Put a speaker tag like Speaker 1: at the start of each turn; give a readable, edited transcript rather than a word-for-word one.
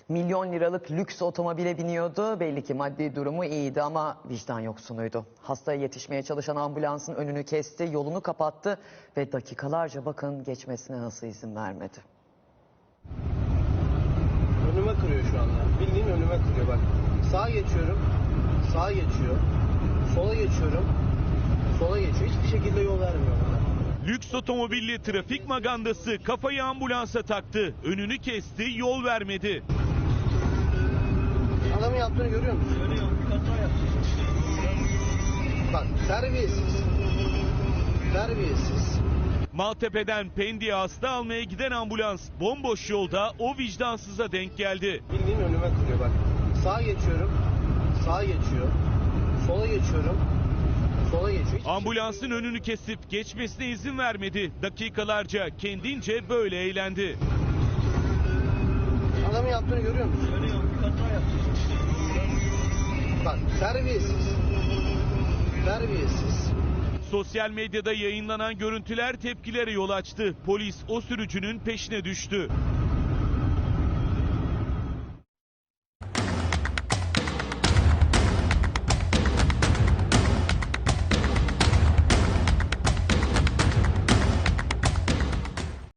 Speaker 1: Milyon liralık lüks otomobile biniyordu. Belli ki maddi durumu iyiydi ama vicdan yoksunuydu. Hastaya yetişmeye çalışan ambulansın önünü kesti, yolunu kapattı ve dakikalarca bakın geçmesine nasıl izin vermedi.
Speaker 2: Önüme kırıyor şu anda. Bildiğin önüme kırıyor bak. Sağa geçiyorum. Sağa geçiyor. Sola geçiyorum. Sola geçiyor. Hiçbir şekilde yol vermiyor bana.
Speaker 3: Lüks otomobilli trafik magandası kafayı ambulansa taktı. Önünü kesti, yol vermedi.
Speaker 2: Adamın yaptığını görüyor musun? Görüyorum. Bir kaza yaptı. Bak terbiyesiz. Terbiyesiz.
Speaker 3: Maltepe'den Pendik'e hasta almaya giden ambulans bomboş yolda o vicdansıza denk geldi.
Speaker 2: Bildiğin önüme kırıyor bak. Sağa geçiyorum. Sağa geçiyor. Sola geçiyorum. Sola geçiyor.
Speaker 3: Ambulansın önünü kesip geçmesine izin vermedi. Dakikalarca kendince böyle eğlendi.
Speaker 2: Adamın yaptığını görüyor musun? Görüyorum. Bir kaza yaptı. Bak terbiyesiz. Terbiyesiz.
Speaker 3: Sosyal medyada yayınlanan görüntüler tepkilere yol açtı. Polis o sürücünün peşine düştü.